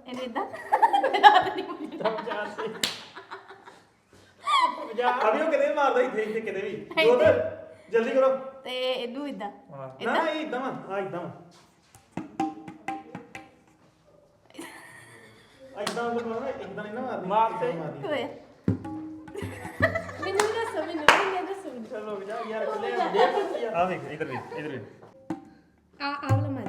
ਇਹਨੂੰ ਇਦਾਂ ਅਭੀ ਉਹ ਕਿਤੇ ਮਾਰਦਾ ਇੱਥੇ ਕਿਤੇ ਵੀ ਜੋਤ ਜਲਦੀ ਕਰੋ ਤੇ ਇਹਨੂੰ ਇਦਾਂ ਨਾ ਇਹ ਇਦਾਂ ਵਾ ਆ ਇਦਾਂ ਵਾ ਇਦਾਂ ਉਹ ਕਰਨਾ ਇਦਾਂ ਨਹੀਂ ਨਾ ਮਾਰਦੀ ਮਾਰਦੀ ਹੋਇਆ ਮੈਨੂੰ ਵੀ ਦੱਸੋ ਮੈਨੂੰ ਚਲੋ ਜਾ ਯਾਰ ਕੋਲੇ ਆ ਵੇਖ ਇਧਰ ਵੇਖ ਆ ਵਾਲਾ ਮਾਰ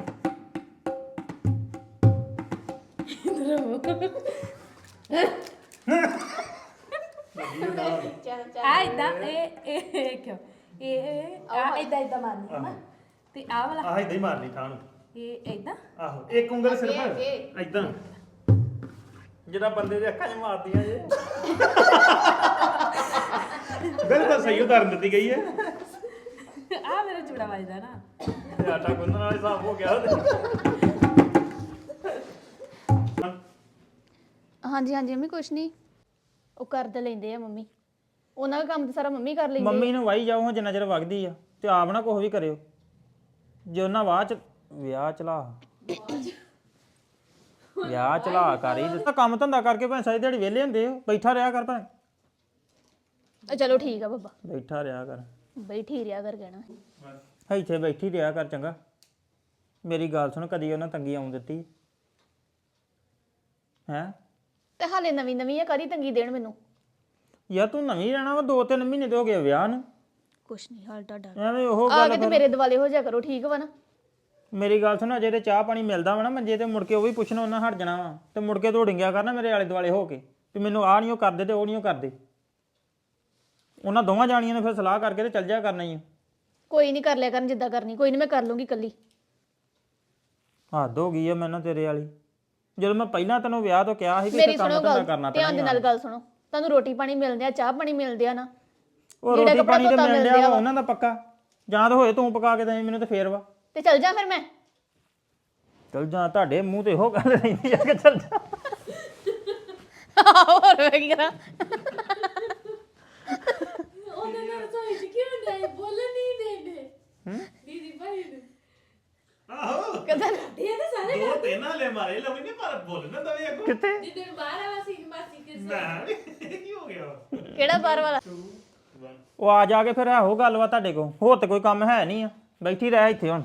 ਆ ਇਦਾਂ ਇਹ ਕਿਉਂ ਇਹ ਆ ਇਦਾਂ ਮਾਰਨੀ ਹੈ ਨਾ ਤੇ ਆ ਵਾਲਾ ਆਹ ਇਦਾਂ ਹੀ ਮਾਰਨੀ ਥਾਂ ਨੂੰ ਇਹ ਇਦਾਂ ਆਹੋ ਇੱਕ ਉਂਗਲ ਸਿਰਫ ਇਦਾਂ ਜਿਹੜਾ ਬੰਦੇ ਦੇ ਅੱਖਾਂ 'ਚ ਮਾਰਦੀਆਂ ਜੇ ਬਿਲਕੁਲ ਸਹੀ ਉਦਾਹਰਨ ਦਿੱਤੀ ਗਈ ਹੈ ਆ ਮੇਰਾ ਚੂੜਾ ਵੱਜਦਾ ਨਾ ਤੇ ਆਟਾ ਗੁੰਨਣ ਵਾਲਾ ਹਿਸਾਬ ਹੋ ਗਿਆ ਹਾਂਜੀ ਹਾਂਜੀ ਮੰਮੀ ਕੁਛ ਨਹੀਂ ਉਹ ਕਰ ਤਾਂ ਲੈਂਦੇ ਆ ਮੰਮੀ ਉਹਨਾਂ ਦਾ ਕੰਮ ਤਾਂ ਸਾਰਾ ਮੰਮੀ ਕਰ ਲੈਂਦੇ ਮੰਮੀ ਨੂੰ ਵਾਈ ਜਾਓ ਜਿੰਨਾ ਚਿਰ ਵਗਦੀ ਆ ਤੇ ਆਪ ਨਾ ਕੁਛ ਵੀ ਕਰਿਓ ਜੇ ਉਹਨਾਂ ਵਿਆਹ ਚਲਾ ਕਰ ਹੀ ਦਿੱਤਾ ਕੰਮ ਧੰਦਾ ਕਰਕੇ ਭਾਵੇਂ ਸਾਰੀ ਦਿਹਾੜੀ ਵਿਹਲੇ ਹੁੰਦੇ ਹੋ ਬੈਠਾ ਰਿਹਾ ਕਰ ਭਾਵੇਂ ਚਲੋ ਠੀਕ ਆ ਬੱਬਾ ਬੈਠਾ ਰਿਹਾ ਕਰ ਬੈਠੀ ਰਿਆ ਕਰ ਕਹਿਣਾ ਇੱਥੇ ਬੈਠੀ ਰਿਹਾ ਕਰ ਚੰਗਾ ਮੇਰੀ ਗੱਲ ਸੁਣ ਕਦੀ ਉਹਨਾਂ ਤੰਗੀ ਆਉਣ ਦਿੱਤੀ ਹੈਂ ਤੇ ਹਾਲੇ ਨਵੀਂ ਨਵੀਂ ਆ ਕਦੀ ਤੰਗੀ ਦੇਣ ਮੈਨੂੰ ਯਾਰ ਤੂੰ ਨਵੀਂ ਰਹਿਣਾ ਵਾ 2-3 ਮਹੀਨੇ ਤੇ ਹੋ ਗਏ ਵਿਆਹ ਨੂੰ ਕੁਛ ਨਹੀਂ ਹਾਲ ਤੁਹਾਡਾ ਐਵੇਂ ਉਹ ਆ ਗੱਲ ਕੇ ਤੇ ਮੇਰੇ ਦਿਵਾਲੇ ਹੋ ਜਾ ਕਰੋ ਠੀਕ ਵਾ ਨਾ ਮੇਰੀ ਗੱਲ ਸੁਣ ਅਜੇ ਤੇ ਚਾਹ ਪਾਣੀ ਮਿਲਦਾ ਵਾ ਨਾ ਮੰਜੇ ਤੇ ਮੁੜ ਕੇ ਉਹ ਵੀ ਪੁੱਛਣਾ ਉਹਨਾਂ ਹਟ ਜਾਣਾ ਵਾ ਤੇ ਮੁੜ ਕੇ ਦੌੜਿੰਗਿਆ ਕਰਨਾ ਮੇਰੇ ਆਲੇ ਦੁਆਲੇ ਹੋ ਕੇ ਵੀ ਮੈਨੂੰ ਆਹ ਨਹੀਂ ਉਹ ਕਰਦੇ ਤੇ ਉਹ ਨਹੀਂ ਉਹ ਕਰਦੇ ਉਹਨਾਂ ਦੋਵਾਂ ਜਾਣੀਆਂ ਨੇ ਫਿਰ ਸਲਾਹ ਕਰਕੇ ਤੇ ਚੱਲ ਜਾ ਕਰਨਾ ਹੀ ਆ ਕੋਈ ਨਹੀਂ ਕਰ ਲਿਆ ਕਰਨ ਜਿੱਦਾਂ ਕਰਨੀ ਕੋਈ ਨਹੀਂ ਮੈਂ ਕਰ ਲੂੰਗੀ ਇਕੱਲੀ ਹੱਦ ਹੋ ਗਈ ਆ ਮੈਨੂੰ ਤੇਰੇ ਵਾਲੀ ਜਦੋਂ ਮੈਂ ਪਹਿਲਾਂ ਤੈਨੂੰ ਵਿਆਹ ਤੋਂ ਕਿਹਾ ਸੀ ਕਿ ਮੇਰੀ ਇੱਥੇ ਕੰਮ ਸੁਣੋ ਧੰਦਾ ਗੱਲ ਕਰਨਾ ਧਿਆਨ ਦੇ ਪੈਣਾ ਨਾਲ ਗੱਲ ਸੁਣੋ ਤੁਹਾਨੂੰ ਰੋਟੀ ਪਾਣੀ ਮਿਲਦੇ ਆ ਚਾਹ ਪਾਣੀ ਮਿਲਦੇ ਆ ਨਾ ਉਹ ਜਿਹੜਾ ਰੋਟੀ ਕੱਪੜਾ ਪਾਣੀ ਤੇ ਧੋਤਾ ਮਿਲ ਮਿਲ ਰਿਹਾ ਵਾ। ਉਹਨਾਂ ਦਾ ਪੱਕਾ ਜਾਂ ਤਾਂ ਹੋਏ ਤੂੰ ਪਕਾ ਕੇ ਦੇ ਮੈਨੂੰ ਤੇ ਫੇਰ ਵਾ ਤੇ ਚੱਲ ਜਾ ਫਿਰ ਮੈਂ ਚੱਲ ਜਾ ਤੁਹਾਡੇ ਮੂੰਹ ਤੇ ਇਹੋ ਗੱਲ ਰਹਿੰਦੀ ਆ ਕਿ ਚੱਲ ਜਾ ਹੋਰ ਮੈਂ ਕੀ ਕਰਾਂ ਉਹਨੇ ਨਾਲ ਸੋਈ ਚ ਕਿਉਂ ਨਹੀਂ ਬੋਲਣ ਨਹੀਂ ਦੇਦੇ ਦੀਦੀ ਭਾਈ ਨੂੰ ਆਹੋ ਕਦਾਂ ਇਹ ਤਾਂ ਸਾਰੇ ਦੋ ਤਿੰਨ ਹਲੇ ਮਾਰੇ ਲਵੀ ਨੇ ਪਰ ਬੋਲਣਾ ਦਵੇ ਅੱਗੋਂ ਕਿੱਥੇ ਜਿੱਦਣ ਬਾਹਰ ਆਵਾ ਸੀ ਮਾਸੀ ਕੇ ਨਾ ਇਹ ਕੀ ਹੋ ਗਿਆ ਕਿਹੜਾ ਬਾਹਰ ਵਾਲਾ ਉਹ ਆ ਜਾ ਕੇ ਫਿਰ ਇਹੋ ਗੱਲ ਵਾ ਤੁਹਾਡੇ ਕੋਲ ਹੋਰ ਤੇ ਕੋਈ ਕੰਮ ਹੈ ਨਹੀਂ ਆ ਬੈਠੀ ਰਹਿ ਇੱਥੇ ਹੁਣ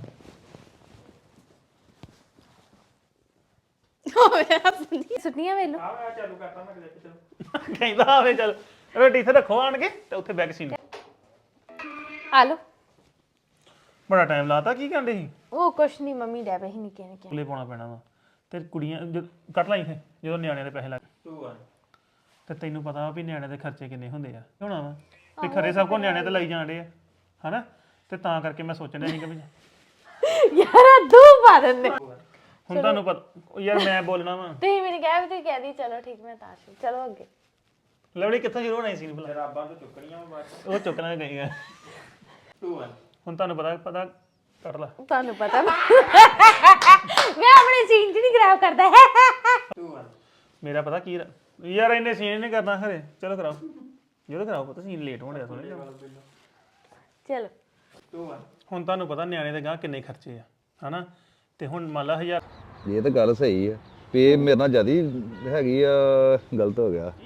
ਸੁਣੀਆਂ ਵੇਲੋ ਆ ਚਾਲੂ ਕਰਤਾ ਮੈਂ ਕਿਤੇ ਚਲੋ ਕਹਿੰਦਾ ਆਵੇ ਚੱਲ ਰੋਟੀ ਇੱਥੇ ਰੱਖੋ ਆਣ ਕੇ ਤੇ ਉੱਥੇ ਬੈਗ ਸੀਨ ਆ ਲੋ ਬੜਾ ਟਾਈਮ ਲਾਤਾ ਕੀ ਕਹਿੰਦੇ ਸੀ ਉਹ ਕੁਛ ਨਹੀਂ ਮੰਮੀ ਡੈ ਪਈ ਨਿੱਕੇ ਨਿੱਕੇ ਕੁਲੇ ਪਾਉਣਾ ਪੈਣਾ ਵਾ ਤੇ ਕੁੜੀਆਂ ਕੱਟ ਲਾ ਇੱਥੇ ਜਦੋਂ ਨਿਆਣਿਆਂ ਦੇ ਪੈਸੇ ਲੱਗ ਤੇ ਤੈਨੂੰ ਪਤਾ ਵਾ ਵੀ ਨਿਆਣਿਆਂ ਦੇ ਖਰਚੇ ਕਿੰਨੇ ਹੁੰਦੇ ਆ ਹੋਣਾ ਵਾ ਵੀ ਖਰੇ ਸਭ ਕੋ ਨਿਆਣੇ ਤੇ ਲਈ ਜਾਂਦੇ ਆ ਹਨਾ ਤੇ ਤਾਂ ਕਰਕੇ ਮੈਂ ਸੋਚਣ ਡਿਆ ਸੀ ਕਿ ਵੀ ਯਾਰ ਦੋ ਪਾ ਦਿੰਦੇ ਹੁਣ ਤੁਹਾਨੂੰ ਪਤਾ ਯਾਰ ਮੈਂ ਬੋਲਣਾ ਵਾ ਤੁਸੀਂ ਮੈਨੂੰ ਕਹਿ ਵੀ ਤੁਸੀਂ ਕਹਿ ਦੀ ਚਲੋ ਠੀਕ ਮੈਂ ਤਾਂ ਸੀ ਚਲੋ ਅੱਗੇ ਲਵਲੀ ਕਿੱਥੋਂ ਸ਼ੁਰੂ ਹੋਣਾ ਸੀ ਭਲਾ ਰਾਬਾਂ ਤੋਂ ਚੁੱਕਣੀਆਂ ਬਾਅਦ ਉਹ ਚੁੱਕਣਾ ਗਈਆਂ 2 1 ਹੁਣ ਤੁਹਾਨੂੰ ਪਤਾ ਕੱਟ ਲਾ ਤੁਹਾਨੂੰ ਪਤਾ ਮੈਂ ਆਪਣੇ ਸੀਨ ਚ ਨਹੀਂ ਖਰਾਬ ਕਰਦਾ 2 1 ਮੇਰਾ ਪਤਾ ਕੀ ਯਾਰ ਇੰਨੇ ਸੀਨ ਨਹੀਂ ਕਰਨਾ ਖਰੇ ਚਲੋ ਕਰਾਓ ਜਦੋਂ ਕਰਾਓ ਪਤਾ ਸੀਨ ਲੇਟ ਹੋਣ ਡਿਆ ਥੋੜੇ ਚਲੋ 2 1 ਹੁਣ ਤੁਹਾਨੂੰ ਪਤਾ ਨਿਆਣੇ ਦੇ ਗਾਂ ਕਿੰਨੇ ਖਰਚੇ ਆ ਹਨਾ ਤੇ ਹੁਣ ਮੰਨ ਲਾ 1000 ਇਹ ਤਾਂ ਗੱਲ ਸਹੀ ਆ ਵੀ ਇਹ ਮੇਰੇ ਨਾਲ ਜਿਆਦਾ ਹੈਗੀ ਆ ਗਲਤ ਹੋ ਗਿਆ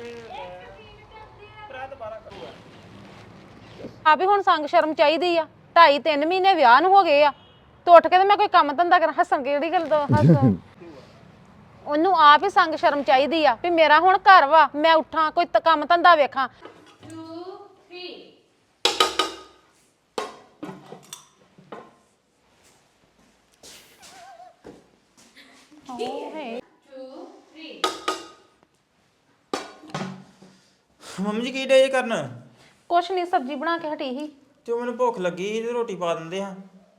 ਆ ਵੀ ਹੁਣ ਸੰਗ ਸ਼ਰਮ ਚਾਹੀਦੀ ਆ 2.5-3 ਮਹੀਨੇ ਵਿਆਹ ਨੂੰ ਹੋ ਗਏ ਆ ਤੇ ਉੱਠ ਕੇ ਤੇ ਮੈਂ ਕੋਈ ਕੰਮ ਧੰਦਾ ਕਰਾਂ ਹੱਸਣ ਕਿਹੜੀ ਗੱਲ ਤੋਂ ਹੱਸ ਉਹਨੂੰ ਆਪ ਹੀ ਸੰਗ ਸ਼ਰਮ ਚਾਹੀਦੀ ਆ ਵੀ ਮੇਰਾ ਹੁਣ ਘਰ ਵਾ ਮੈਂ ਉੱਠਾਂ ਕੋਈ ਕੰਮ ਧੰਦਾ ਵੇਖਾਂ 2 3 ਮੰਮੀ ਜੀ ਕੀ ਡੇ ਕਰਨ ਕੁਛ ਨਹੀਂ ਸਬਜ਼ੀ ਬਣਾ ਕੇ ਹਟੀ ਸੀ ਤੇ ਉਹ ਮੈਨੂੰ ਭੁੱਖ ਲੱਗੀ ਸੀ ਤੇ ਰੋਟੀ ਪਾ ਦਿੰਦੇ ਆ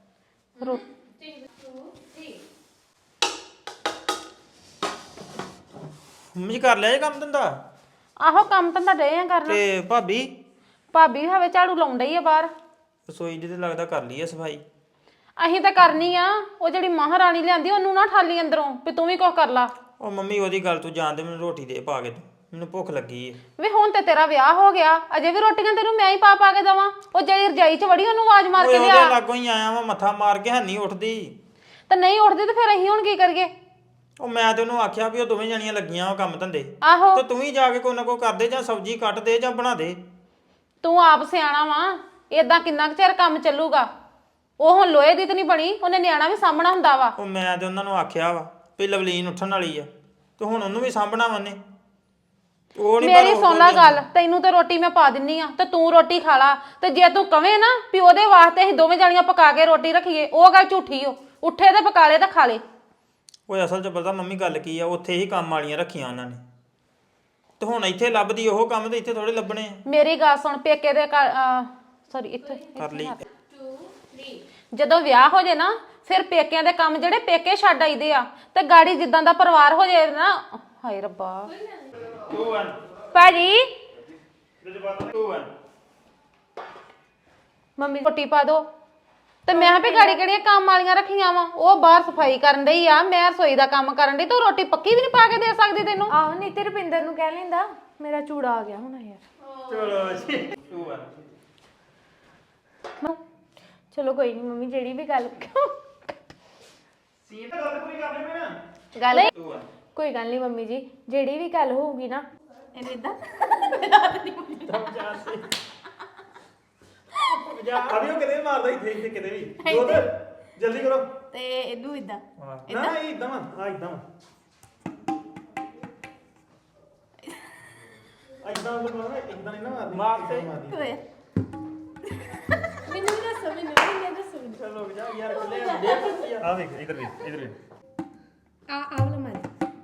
ਮੰਮੀ ਜੀ ਕਰ ਲਿਆ ਇਹ ਕੰਮ ਧੰਦਾ ਆਹੋ ਕੰਮ ਧੰਦਾ ਡੇ ਆ ਕਰਨ ਤੇ ਭਾਬੀ ਭਾਬੀ ਵੀ ਹਵੇ ਝਾੜੂ ਲਾਉਣ ਡਈ ਆ ਬਾਹਰ ਰਸੋਈ ਜਿਹਦੇ ਲੱਗਦਾ ਕਰ ਲਈ ਆ ਸਫਾਈ ਅਸੀਂ ਤਾਂ ਕਰਨੀ ਆ ਉਹ ਜਿਹੜੀ ਮਹਾਰਾਣੀ ਲਿਆਂਦੀ ਉਹਨੂੰ ਨਾ ਠਾਲੀ ਅੰਦਰੋਂ ਵੀ ਤੂੰ ਵੀ ਕੁਝ ਕਰ ਲਾ ਉਹ ਮੰਮੀ ਉਹਦੀ ਗੱਲ ਤੂੰ ਜਾਣਦੇ ਮੈਨੂੰ ਰੋਟੀ ਦੇ ਪਾ ਕੇ ਤੂੰ ਮੈਨੂੰ ਭੁੱਖ ਲੱਗੀ ਏ ਵੇ ਹੁਣ ਤੇ ਤੇਰਾ ਵਿਆਹ ਹੋ ਗਿਆ ਅਜੇ ਵੀ ਰੋਟੀਆਂ ਤੈਨੂੰ ਮੈਂ ਹੀ ਪਾ ਕੇ ਦਵਾਂ ਉਹ ਜਿਹੜੀ ਰਜਾਈ 'ਚ ਵੜੀ ਉਹਨੂੰ ਆਵਾਜ਼ ਮਾਰ ਕੇ ਓਏ ਲਿਆ ਉਹਦੇ ਲਾਗੋਂ ਹੀ ਆਇਆ ਵਾ ਮੱਥਾ ਮਾਰ ਕੇ ਹੈਨੀ ਉੱਠਦੀ ਤੇ ਨਹੀਂ ਉੱਠਦੀ ਤੇ ਫਿਰ ਅਸੀਂ ਹੁਣ ਕੀ ਕਰੀਏ ਉਹ ਮੈਂ ਤੇ ਉਹਨੂੰ ਆਖਿਆ ਵੀ ਉਹ ਦੋਵੇਂ ਜਣੀਆਂ ਲੱਗੀਆਂ ਉਹ ਕੰਮ ਧੰਦੇ ਆਹੋ ਤੇ ਤੂੰ ਵੀ ਜਾ ਕੇ ਕੋਈ ਨਾ ਕੋਈ ਕਰਦੇ ਜਾਂ ਸਬਜ਼ੀ ਕੱਟ ਦੇ ਜਾਂ ਬਣਾ ਦੇ। ਤੂੰ ਆਪ ਸਿਆਣਾ ਵਾ ਏਦਾਂ ਕਿੰਨਾ ਕੁ ਚਿਰ ਕੰਮ ਚੱਲੂਗਾ। ਉਹ ਹੁਣ ਲੋਹੇ ਦੀ ਤਾਂ ਨਹੀਂ ਬਣੀ, ਉਹਨੇ ਨਿਆਣਾ ਵੀ ਸਾਂਭਣਾ ਹੁੰਦਾ ਵਾ। ਉਹ ਮੈਂ ਤੇ ਉਹਨਾਂ ਨੂੰ ਆਖਿਆ ਵਾ ਵੀ ਲਵਲੀਨ ਉੱਠਣ ਵਾਲੀ ਆ ਤੇ ਹੁਣ ਉਹਨੂੰ ਵੀ ਸਾਂਭਣਾ ਮੰਨੇ। ਉਹ ਨਹੀਂ ਮੇਰੀ ਸੁਣ ਲੈ ਗੱਲ, ਤੈਨੂੰ ਤੇ ਰੋਟੀ ਮੈਂ ਪਾ ਦਿੰਨੀ ਆ ਤੇ ਤੂੰ ਰੋਟੀ ਖਾ ਲਾ। ਤੇ ਜੇ ਤੂੰ ਕਵੇਂ ਨਾ ਵੀ ਉਹਦੇ ਵਾਸਤੇ ਅਸੀਂ ਦੋਵੇਂ ਜਾਣੀਆਂ ਪਕਾ ਕੇ ਰੋਟੀ ਰੱਖੀਏ, ਉਹ ਗੱਲ ਝੂਠੀ ਓ। ਉੱਠੇ ਤੇ ਪਕਾ ਲੇ ਤੇ ਖਾ ਲੇ। ਓਏ ਅਸਲ 'ਚ ਪਤਾ ਮੰਮੀ ਗੱਲ ਕੀ ਆ, ਉੱਥੇ ਹੀ ਕੰਮ ਵਾਲੀਆਂ ਰੱਖੀਆਂ ਉਹਨਾਂ ਨੇ ਤੇ ਹੁਣ ਇੱਥੇ ਲੱਭਦੀ ਉਹ ਕੰਮ ਤੇ ਇੱਥੇ ਥੋੜੇ ਲੱਭਣੇ ਆ। ਮੇਰੀ ਗੱਲ ਸੁਣ, ਪੇਕੇ ਦੇ ਸੌਰੀ ਇੱਥੇ ਕਰ ਲਈ ਜਦੋਂ ਵਿਆਹ ਹੋ ਜੇ ਨਾ ਫਿਰ ਪੇਕਿਆਂ ਦੇ ਕੰਮ ਜਿਹੜੇ ਪੇਕੇ ਛੱਡ ਆਈਦੇ ਆ ਤੇ ਗਾੜੀ ਜਿੱਦਾਂ ਦਾ ਪਰਿਵਾਰ ਹੋ ਜੇ ਨਾ। ਹਾਏ ਰੱਬਾ ਭਾਜੀ ਮੰਮੀ ਰੋਟੀ ਪਾ ਦੋ ਤੇ ਮੈਂ ਵੀ ਗਾੜੀ ਕਿਹੜੀਆਂ ਕੰਮ ਵਾਲੀਆਂ ਰੱਖੀਆਂ ਵਾ। ਉਹ ਬਾਹਰ ਸਫਾਈ ਕਰਨ ਡਈ ਆ, ਮੈਂ ਰਸੋਈ ਦਾ ਕੰਮ ਕਰਨ ਡਈ। ਤੂੰ ਰੋਟੀ ਪੱਕੀ ਵੀ ਨਹੀਂ ਪਾ ਕੇ ਦੇ ਸਕਦੀ ਤੈਨੂੰ? ਆਹੋ ਨਹੀਂ ਤੇ ਰੁਪਿੰਦਰ ਨੂੰ ਕਹਿ ਲੈਂਦਾ, ਮੇਰਾ ਚੂੜਾ ਆ ਗਿਆ ਹੁਣ ਯਾਰ। ਚਲੋ ਕੋਈ ਨਹੀਂ ਮੰਮੀ, ਜਿਹੜੀ ਵੀ ਗੱਲ ਗੱਲ ਕੋਈ ਗੱਲ ਨਹੀਂ ਮੰਮੀ ਜੀ, ਜਿਹੜੀ ਵੀ ਗੱਲ ਹੋਊਗੀ ਨਾ ਇਹਨੇ ਇਦਾਂ ਅਭੀ ਉਹ ਕਿਤੇ ਮਾਰਦਾ ਇੱਥੇ ਕਿਤੇ ਵੀ ਜੋਤ ਜਲਦੀ ਕਰੋ ਤੇ ਇਹਨੂੰ ਇਦਾਂ ਨਾ ਇਦਾਂ ਆ ਇਦਾਂ ਇਦਾਂ ਇਦਾਂ ਨਹੀਂ ਨਾ ਮਾਰਦੀ ਮੈਨੂੰ ਵੀ ਦੱਸੋ, ਮੈਨੂੰ ਵੀ ਦੱਸੋ। ਚਲੋ ਜਾ ਯਾਰ ਕੱਲੇ ਆ ਵੇਖ ਇਧਰ ਵੇਖ ਆ ਵਾਲਾ ਮਾਰ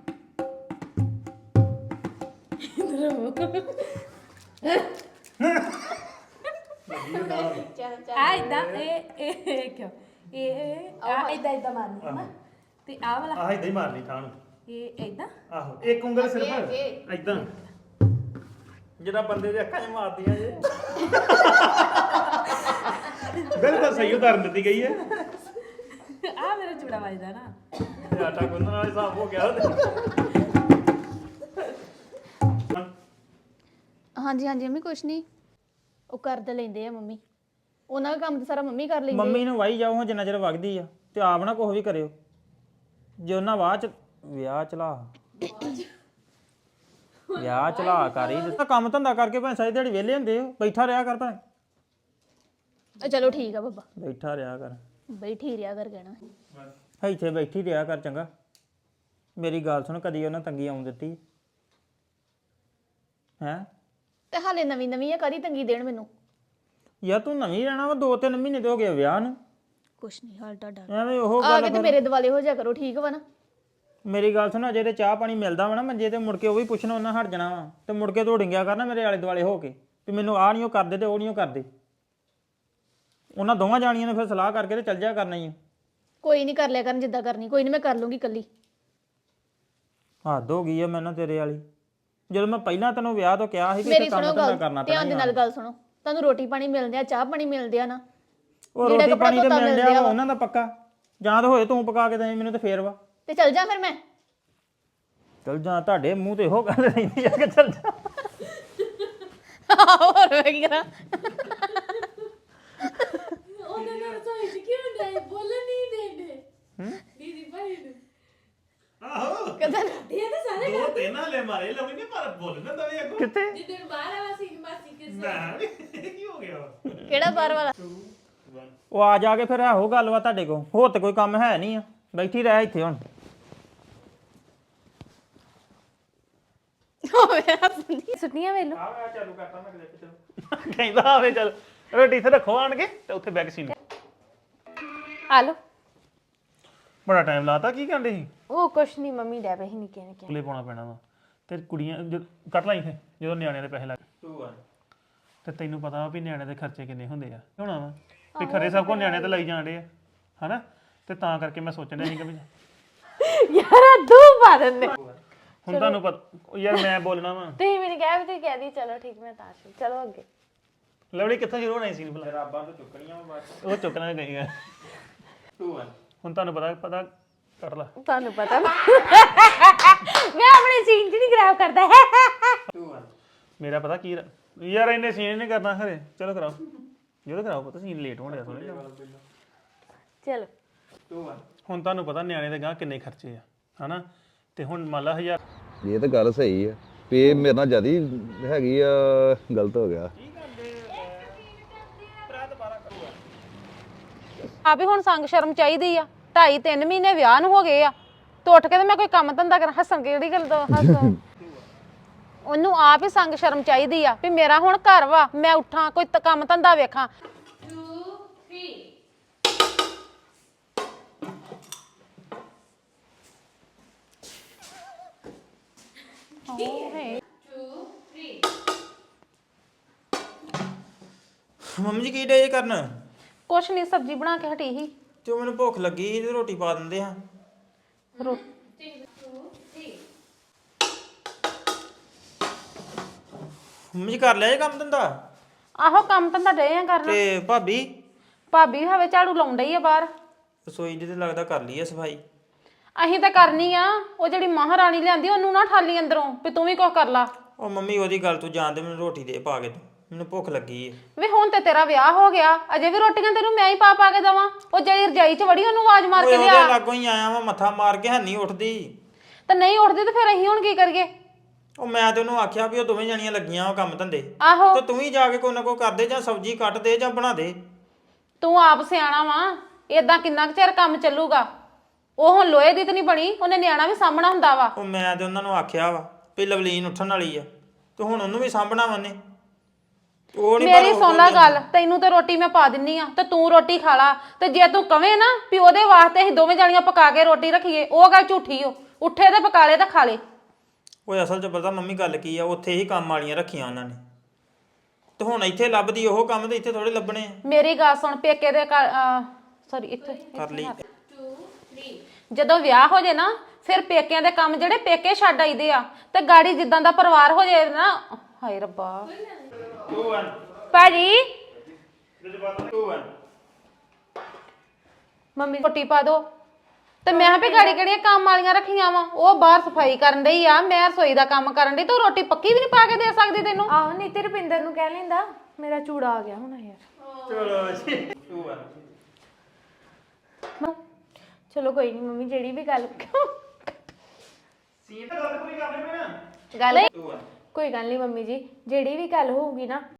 ਆ ਇਦਾਂ ਇਹ ਕਿਉਂ ਇਹ ਆ ਇਦਾਂ ਮਾਰਨੀ ਹੈ ਨਾ ਤੇ ਆ ਵਾਲਾ ਆਹ ਇਦਾਂ ਹੀ ਮਾਰਨੀ ਥਾਂ ਨੂੰ। ਇਹ ਇਦਾਂ ਆਹੋ ਇੱਕ ਉਂਗਲ ਸਿਰਫ ਇਦਾਂ ਜਿਹੜਾ ਬੰਦੇ ਦੇ ਅੱਖਾਂ 'ਚ ਮਾਰਦੀਆਂ ਜੇ। ਬਿਲਕੁਲ ਸਹੀ ਉਦਾਹਰਨ ਦਿੱਤੀ ਗਈ ਹੈ। ਆ ਮੇਰਾ ਚੂੜਾ ਵੱਜਦਾ ਨਾ। ਤੇ ਆਟਾ ਗੁੰਨਣ ਵਾਲੇ ਹਿਸਾਬ ਹੋ ਗਿਆ ਹਾਂਜੀ ਹਾਂਜੀ ਮੰਮੀ ਕੁਛ ਨਹੀਂ, ਉਹ ਕਰ ਤਾਂ ਲੈਂਦੇ ਆ ਮੰਮੀ। ਉਹਨਾਂ ਦਾ ਕੰਮ ਤਾਂ ਸਾਰਾ ਮੰਮੀ ਕਰ ਲੈਂਦੀ ਮੰਮੀ ਨੂੰ ਵਾਈ ਜਾਓ ਜਿੰਨਾ ਚਿਰ ਵਗਦੀ ਆ ਤੇ ਆਪ ਨਾ ਕੁਛ ਵੀ ਕਰਿਓ। ਜੇ ਉਹਨਾਂ ਵਿਆਹ ਚਲਾ ਕਰ ਹੀ ਦਿੱਤਾ ਕੰਮ ਧੰਦਾ ਕਰਕੇ ਭਾਵੇਂ ਸਾਰੀ ਦਿਹਾੜੀ ਵਿਹਲੇ ਹੁੰਦੇ ਹੋ। ਬੈਠਾ ਰਿਹਾ ਕਰ ਭਾਵੇਂ ਚਲੋ ਠੀਕ ਆ ਬੱਬਾ, ਬੈਠਾ ਰਿਹਾ ਕਰ। ਬੈਠੀ ਰਿਆ ਕਰ ਕਹਿਣਾ। ਇੱਥੇ ਬੈਠੀ ਰਿਹਾ ਕਰ ਚੰਗਾ। ਮੇਰੀ ਗੱਲ ਸੁਣ, ਕਦੀ ਉਹਨਾਂ ਤੰਗੀ ਆਉਣ ਦਿੱਤੀ ਹੈ? ਤੇ ਹਾਲੇ ਨਵੀਂ ਨਵੀਂ ਆ, ਕਦੀ ਤੰਗੀ ਦੇਣ ਮੈਨੂੰ? ਯਾਰ ਤੂੰ ਨਵੀਂ ਰਹਿਣਾ ਵਾ, 2-3 ਮਹੀਨੇ ਤੇ ਹੋ ਗਏ ਵਿਆਹ ਨੂੰ। ਕੁਛ ਨਹੀਂ ਹਾਲ ਤੁਹਾਡਾ ਐਵੇਂ ਉਹ ਆ ਗੱਲ ਕੇ ਤੇ ਫਿਰ- ਮੇਰੇ ਦਿਵਾਲੇ ਹੋ ਜਾ ਕਰੋ, ਠੀਕ ਵਾ ਨਾ? ਮੇਰੀ ਗੱਲ ਸੁਣ, ਅਜੇ ਤੇ ਚਾਹ ਪਾਣੀ ਮਿਲਦਾ ਵਾ ਨਾ ਮੰਜੇ ਤੇ, ਮੁੜ ਕੇ ਉਹ ਵੀ ਪੁੱਛਣਾ ਉਹਨਾਂ ਹਟ ਜਾਣਾ ਵਾ ਤੇ ਮੁੜ ਕੇ ਢੋੜਿੰਗਿਆ ਕਰਨਾ ਮੇਰੇ ਆਲੇ ਦੁਆਲੇ ਹੋ ਕੇ ਵੀ ਮੈਨੂੰ ਆਹ ਨਹੀਂ ਉਹ ਕਰਦੇ ਤੇ ਉਹ ਨਹੀਂ ਉਹ ਕਰਦੇ। ਉਹਨਾਂ ਦੋਵਾਂ ਜਾਣੀਆਂ ਨੇ ਫਿਰ ਸਲਾਹ ਕਰਕੇ ਤੇ ਚੱਲ ਜਾ ਕਰਨਾ ਹੀ ਆ। ਕੋਈ ਨਹੀਂ ਕਰ ਲਿਆ ਕਰਨ ਜਿੱਦਾਂ ਕਰਨੀ, ਕੋਈ ਨਹੀਂ ਮੈਂ ਕਰ ਲੂੰਗੀ ਕੱਲੀ। ਹੱਦ ਹੋ ਗਈ ਆ ਮੈਨੂੰ ਤੇਰੇ ਵਾਲੀ। ਜਦੋਂ ਮੈਂ ਪਹਿਲਾਂ ਤੈਨੂੰ ਵਿਆਹ ਤੋਂ ਕਿਹਾ ਸੀ ਕਿ ਮੇਰੀ ਇੱਥੇ ਕੰਮ ਸੁਣੋ ਧੰਦਾ ਗੱਲ, ਕਰਨਾ ਧਿਆਨ ਦੇ ਪੈਣਾ। ਨਾਲ ਗੱਲ ਸੁਣੋ। ਤੁਹਾਨੂੰ ਰੋਟੀ ਪਾਣੀ ਮਿਲਦੇ ਆ, ਚਾਹ ਪਾਣੀ ਮਿਲਦੇ ਆ ਨਾ? ਉਹ ਜਿਹੜਾ ਰੋਟੀ ਕੱਪੜਾ ਪਾਣੀ ਤੇ ਧੋਤਾ ਮਿਲ ਮਿਲਦੇ ਲਿਆ ਆ ਵਾ। ਉਹਨਾਂ ਦਾ ਪੱਕਾ, ਜਾਂ ਤਾਂ ਹੋਏ ਤੂੰ ਪਕਾ ਕੇ ਦੇ ਮੈਨੂੰ ਤੇ ਫੇਰ ਵਾ। ਤੇ ਚੱਲ ਜਾ ਫਿਰ ਮੈਂ। ਚੱਲ ਜਾ, ਤੁਹਾਡੇ ਮੂੰਹ ਤੇ ਇਹੋ ਗੱਲ ਰਹਿੰਦੀ ਆ ਕਿ ਚੱਲ ਜਾ। ਹੋਰ ਮੈਂ ਕੀ ਕਰਾਂ? ਉਹਨਾਂ ਨੇ ਰਸੋਈ 'ਚ ਕਿਉਂ ਨਹੀਂ ਬੋਲਣ ਨਹੀਂ ਦੇਣੇ ਦੀਦੀ ਭਾਈ ਨੂੰ। ਆਹੋ ਕਦਾਂ ਇਹ ਤਾਂ ਸਾਰੇ ਦੋ ਤਿੰਨ ਹਲੇ ਮਾਰੇ ਲਵੀ ਨੇ ਪਰ ਬੋਲਣਾ ਦਵੇ ਅੱਗੋਂ ਕਿੱਥੇ? ਜਿੱਦਣ ਬਾਹਰ ਆਵਾ ਸੀ ਮਾਸੀ ਕੇ ਮੈਂ ਵੀ ਕੀ ਹੋ ਗਿਆ ਕਿਹੜਾ ਬਾਹਰ ਵਾਲਾ? ਉਹ ਆ ਜਾ ਕੇ ਫਿਰ ਇਹੋ ਗੱਲ ਵਾ ਤੁਹਾਡੇ ਕੋਲ, ਹੋਰ ਤੇ ਕੋਈ ਕੰਮ ਹੈ ਨਹੀਂ ਆ। ਬੈਠੀ ਰਹਿ ਇੱਥੇ ਹੁਣ। ਸੁਣੀਆਂ ਵੇਲੋ ਆ ਚਾਲੂ ਕਰਤਾ ਮੈਂ ਕਲਿੱਪ ਚਲੋ ਕਹਿੰਦਾ ਆਵੇ ਚੱਲ ਰੋਟੀ ਇੱਥੇ ਰੱਖੋ ਆਣ ਕੇ ਤੇ ਉੱਥੇ ਬੈਗ ਸੀਨ ਆ ਲੋ। ਬੜਾ ਟਾਈਮ ਲਾਤਾ ਕੀ ਕਹਿੰਦੇ ਸੀ ਉਹ ਕੁਛ ਨਹੀਂ ਮੰਮੀ ਡੈ ਪਈ ਨਿੱਕੇ ਨਿੱਕੇ। ਕੁਲੇ ਪਾਉਣਾ ਪੈਣਾ ਵਾ ਤੇ ਕੁੜੀਆਂ ਕੱਟ ਲਾ ਇੱਥੇ ਜਦੋਂ ਨਿਆਣਿਆਂ ਦੇ ਪੈਸੇ ਲੱਗ ਤੇ ਤੈਨੂੰ ਪਤਾ ਵਾ ਵੀ ਨਿਆਣਿਆਂ ਦੇ ਖਰਚੇ ਕਿੰਨੇ ਹੁੰਦੇ ਆ ਹੋਣਾ ਵਾ ਵੀ ਖਰੇ ਸਭ ਕੋ ਨਿਆਣਿਆਂ ਤੇ ਲਾਈ ਜਾਂਦੇ ਆ ਹਨਾ ਤੇ ਤਾਂ ਕਰਕੇ ਮੈਂ ਸੋਚਣ ਡਿਆ ਸੀ ਕਿ ਵੀ ਯਾਰ ਦੋ ਪਾ ਦਿੰਦੇ। ਹੁਣ ਤੁਹਾਨੂੰ ਪਤਾ ਯਾਰ ਮੈਂ ਬੋਲਣਾ ਵਾ ਤੁਸੀਂ ਮੈਨੂੰ ਕਿਹਾ ਵੀ ਤੁਸੀਂ ਕਹਿ ਦੀ ਚਲੋ ਠੀਕ ਮੈਂ ਤਾਂ ਚਲੋ ਅੱਗੇ। ਲਵਲੀ ਕਿੱਥੋਂ ਸ਼ੁਰੂ ਹੋਣਾ ਸੀ ਭਲਾ ਰਾਬਾਂ ਤੋਂ ਚੁੱਕਣੀਆਂ ਵਾ ਬਾਅਦ ਉਹ ਚੁੱਕਣਾ ਗਈ ਆ ਹੁਣ ਤੁਹਾਨੂੰ ਪਤਾ ਕਰ ਲਾ ਤੁਹਾਨੂੰ ਪਤਾ ਮੈਂ ਆਪਣੇ ਸੀਨ ਚ ਨਹੀਂ ਖਰਾਬ ਕਰਦਾ ਹੈ। ਮੇਰਾ ਪਤਾ ਕੀ ਯਾਰ ਇੰਨੇ ਸੀਨ ਨਹੀਂ ਕਰਨਾ ਖਰੇ ਚਲੋ ਕਰਾਓ ਜਦੋਂ ਕਰਾਓ ਪਤਾ ਸੀਨ ਲੇਟ ਹੋਣ ਡਿਆ ਥੋੜੇ ਚਲੋ ਹੁਣ ਤੁਹਾਨੂੰ ਪਤਾ ਨਿਆਣੇ ਦੇ ਗਾਂ ਕਿੰਨੇ ਖਰਚੇ ਆ ਹਨਾ ਤੇ ਹੁਣ ਮੰਨ ਲਾ 1000 ਇਹ ਤਾਂ ਗੱਲ ਸਹੀ ਆ ਵੀ ਇਹ ਮੇਰੇ ਨਾਲ ਜਿਆਦੀ ਹੈਗੀ ਆ ਗਲਤ ਹੋ ਗਿਆ ਆ ਵੀ ਹੁਣ ਸੰਗ ਸ਼ਰਮ ਚਾਹੀਦੀ ਆ 2.5-3 ਮਹੀਨੇ ਵਿਆਹ ਨੂੰ ਹੋ ਗਏ ਆ ਤੇ ਉੱਠ ਕੇ ਤੇ ਮੈਂ ਕੋਈ ਕੰਮ ਧੰਦਾ ਕਰਾਂ ਹੱਸਣ ਕਿਹੜੀ ਗੱਲ ਤੋਂ ਹੱਸ ਉਹਨੂੰ ਆਪ ਹੀ ਸੰਗ ਸ਼ਰਮ ਚਾਹੀਦੀ ਆ ਵੀ ਮੇਰਾ ਹੁਣ ਘਰ ਵਾ ਮੈਂ ਉੱਠਾਂ ਕੋਈ ਕੰਮ ਧੰਦਾ ਵੇਖਾਂ 2 3 2 3 ਮੰਮੀ ਜੀ ਕੀ ਡੇ ਕਰਨ ਕੁਛ ਨਹੀਂ ਸਬਜ਼ੀ ਬਣਾ ਕੇ ਹਟੀ ਸੀ ਤੇ ਉਹ ਮੈਨੂੰ ਭੁੱਖ ਲੱਗੀ ਸੀ ਤੇ ਰੋਟੀ ਪਾ ਦਿੰਦੇ ਆ ਮੰਮੀ ਜੀ ਕਰ ਲਿਆ ਇਹ ਕੰਮ ਧੰਦਾ ਆਹੋ ਕੰਮ ਧੰਦਾ ਡੇ ਆ ਕਰਨ ਤੇ ਭਾਬੀ ਭਾਬੀ ਹਵੇ ਝਾੜੂ ਲਾਉਣ ਡਈ ਆ ਬਾਹਰ ਰਸੋਈ ਦੀ ਤੇ ਲੱਗਦਾ ਕਰ ਲਈ ਆ ਸਫਾਈ ਅਸੀਂ ਤਾਂ ਕਰਨੀ ਆ ਉਹ ਜਿਹੜੀ ਮਹਾਰਾਣੀ ਲਿਆਂਦੀ ਉਹਨੂੰ ਨਾ ਠਾਲੀ ਅੰਦਰੋਂ ਵੀ ਤੂੰ ਵੀ ਕੁਛ ਕਰ ਲਾ ਉਹ ਮੰਮੀ ਉਹਦੀ ਗੱਲ ਤੂੰ ਜਾਣਦੇ ਮੈਨੂੰ ਰੋਟੀ ਦੇ ਪਾ ਕੇ ਤੂੰ ਮੈਨੂੰ ਭੁੱਖ ਲੱਗੀ ਏ ਵੇ ਹੁਣ ਤੇ ਤੇਰਾ ਵਿਆਹ ਹੋ ਗਿਆ ਅਜੇ ਵੀ ਰੋਟੀਆਂ ਤੈਨੂੰ ਮੈਂ ਹੀ ਪਾ ਕੇ ਦਵਾਂ ਉਹ ਜਿਹੜੀ ਰਜਾਈ 'ਚ ਵੜੀ ਉਹਨੂੰ ਆਵਾਜ਼ ਮਾਰ ਓਏ ਕੇ ਉਹਦੇ ਲਿਆ ਲਾਗੋਂ ਹੀ ਆਇਆ ਵਾਂ ਮੱਥਾ ਮਾਰ ਕੇ ਹੈਨੀ ਉੱਠਦੀ ਤੇ ਨਹੀਂ ਉੱਠਦੀ ਤੇ ਫਿਰ ਅਸੀਂ ਹੁਣ ਕੀ ਕਰੀਏ ਉਹ ਮੈਂ ਤੇ ਉਹਨੂੰ ਆਖਿਆ ਵੀ ਉਹ ਦੋਵੇਂ ਜਣੀਆਂ ਲੱਗੀਆਂ ਉਹ ਕੰਮ ਧੰਦੇ ਆਹੋ ਤੇ ਤੂੰ ਹੀ ਜਾ ਕੇ ਕੋਈ ਨਾ ਕੋਈ ਕਰ ਦੇ ਜਾਂ ਸਬਜ਼ੀ ਕੱਟ ਦੇ ਜਾਂ ਬਣਾ ਦੇ ਤੂੰ ਆਪ ਸਿਆਣਾ ਵਾ ਏਦਾਂ ਕਿੰਨਾ ਕੁ ਚਿਰ ਕੰਮ ਚੱਲੂਗਾ ਉਹ ਹੁਣ ਲੋਹੇ ਦੀ ਤੇ ਨਹੀਂ ਬਣੀ ਉਹਨੇ ਨਿਆਣਾ ਵੀ ਸਾਂਭਣਾ ਹੁੰਦਾ ਵਾ ਉਹ ਮੈਂ ਤੇ ਉਹਨਾਂ ਨੂੰ ਆਖਿਆ ਵਾ ਵੀ ਲਵਲੀਨ ਉੱਠਣ ਵਾਲੀ ਆ ਤੇ ਹੁਣ ਉਹਨੂੰ ਵੀ ਸਾਂਭਣਾ ਵੰਨੇ ਉਹ ਨਹੀਂ ਮੇਰੀ ਸੁਣ ਲੈ ਗੱਲ ਤੈਨੂੰ ਤੇ ਰੋਟੀ ਮੈਂ ਪਾ ਦਿੰਨੀ ਆ ਤੇ ਤੂੰ ਰੋਟੀ ਖਾ ਲਾ ਤੇ ਜੇ ਤੂੰ ਕਵੇਂ ਨਾ ਵੀ ਉਹਦੇ ਵਾਸਤੇ ਅਸੀਂ ਦੋਵੇਂ ਜਾਣੀਆਂ ਪਕਾ ਕੇ ਰੋਟੀ ਰੱਖੀਏ ਉਹ ਗੱਲ ਝੂਠੀ ਓ ਉੱਠੇ ਤੇ ਪਕਾ ਲੇ ਤੇ ਖਾ ਲੇ ਓਏ ਅਸਲ 'ਚ ਪਤਾ ਮੰਮੀ ਗੱਲ ਕੀ ਆ ਉੱਥੇ ਹੀ ਕੰਮ ਵਾਲੀਆਂ ਰੱਖੀਆਂ ਉਹਨਾਂ ਨੇ ਤੇ ਹੁਣ ਇੱਥੇ ਲੱਭਦੀ ਉਹ ਕੰਮ ਤੇ ਇੱਥੇ ਥੋੜੇ ਲੱਭਣੇ ਆ ਮੇਰੀ ਗੱਲ ਸੁਣ ਪੇਕੇ ਦੇ ਸੌਰੀ ਇੱਥੇ ਕਰ ਲਈ 2 3 ਜਦੋਂ ਵਿਆਹ ਹੋ ਜੇ ਨਾ ਫਿਰ ਪੇਕਿਆਂ ਦੇ ਕੰਮ ਜਿਹੜੇ ਪੇਕੇ ਛੱਡ ਆਈਦੇ ਆ ਤੇ ਗਾੜੀ ਜਿੱਦਾਂ ਦਾ ਪਰਿਵਾਰ ਹੋ ਜੇ ਨਾ ਹਾਏ ਰੱਬਾ 2 1 ਭਾਜੀ 2 1 ਮੰਮੀ ਰੋਟੀ ਪਾ ਦੋ ਤੇ ਮੈਂ ਵੀ ਗਾੜੀ ਕਿਹੜੀਆਂ ਕੰਮ ਵਾਲੀਆਂ ਰੱਖੀਆਂ ਵਾ ਉਹ ਬਾਹਰ ਸਫਾਈ ਕਰਨ ਡਈ ਆ ਮੈਂ ਰਸੋਈ ਦਾ ਕੰਮ ਕਰਨ ਡਈ ਤੂੰ ਰੋਟੀ ਪੱਕੀ ਵੀ ਨਹੀਂ ਪਾ ਕੇ ਦੇ ਸਕਦੀ ਤੈਨੂੰ ਆਹੋ ਨਹੀਂ ਤੇ ਰੁਪਿੰਦਰ ਨੂੰ ਕਹਿ ਲੈਂਦਾ ਮੇਰਾ ਚੂੜਾ ਆ ਗਿਆ ਹੁਣ ਯਾਰ ਚਲੋ ਜੀ 2 1 ਚਲੋ ਕੋਈ ਨਹੀਂ ਮੰਮੀ ਜਿਹੜੀ ਵੀ ਗੱਲ ਸੀ ਤਾਂ ਗੱਲ ਪੂਰੀ ਕਰ ਲੈ ਮੈਂ ਗੱਲ 2 1 ਕੋਈ ਗੱਲ ਨਹੀਂ ਮੰਮੀ ਜੀ ਜਿਹੜੀ ਵੀ ਗੱਲ ਹੋਊਗੀ ਨਾ